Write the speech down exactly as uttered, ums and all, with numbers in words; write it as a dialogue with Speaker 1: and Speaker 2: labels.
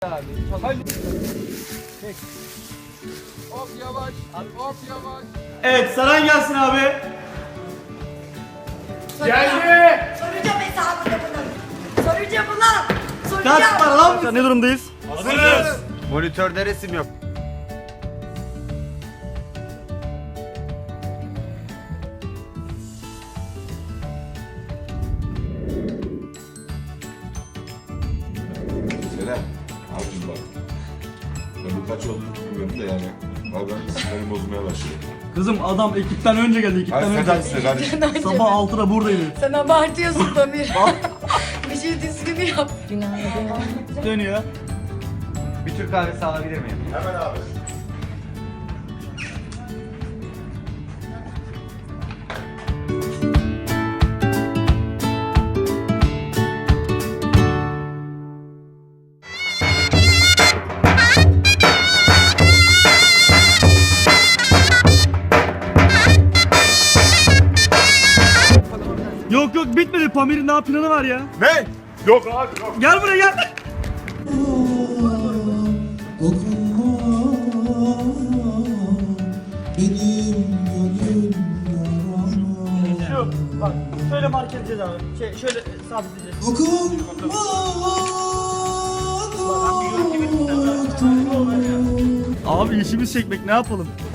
Speaker 1: Abi. Çek. Hop yavaş. Hop yavaş.
Speaker 2: Evet, saran gelsin abi.
Speaker 1: Geldi.
Speaker 3: Soracağım hesabını bunun. Soracağım ulan. Soracağım.
Speaker 2: Kaç para lan? Ne durumdayız?
Speaker 1: Hazırız.
Speaker 4: Monitörde resim yok.
Speaker 5: Selam. Abicim bak. Ben bu kaç oldu bilmiyorum da yani. Abi ben sinirim bozmaya başladı.
Speaker 2: Kızım adam ekipten önce geldi, ekipten
Speaker 5: Hayır sen
Speaker 2: önce.
Speaker 5: hangisi kardeşim?
Speaker 2: Sabah altıda buradaydı.
Speaker 3: Sen abartıyorsun Pamir. Bir şey düzgün yap. Günaydın.
Speaker 2: Dönüyor.
Speaker 4: Bir Türk kahvesi alabilir miyim?
Speaker 5: Hemen abi.
Speaker 2: Yok yok bitmedi. Pamir'in daha planı var ya.
Speaker 5: Ne? Yok abi yok.
Speaker 2: Gel buraya gel. Şu bak şöyle mark edeceğiz abi. Şey şöyle sabitleyeceğiz. Abi işimiz çekmek, ne yapalım?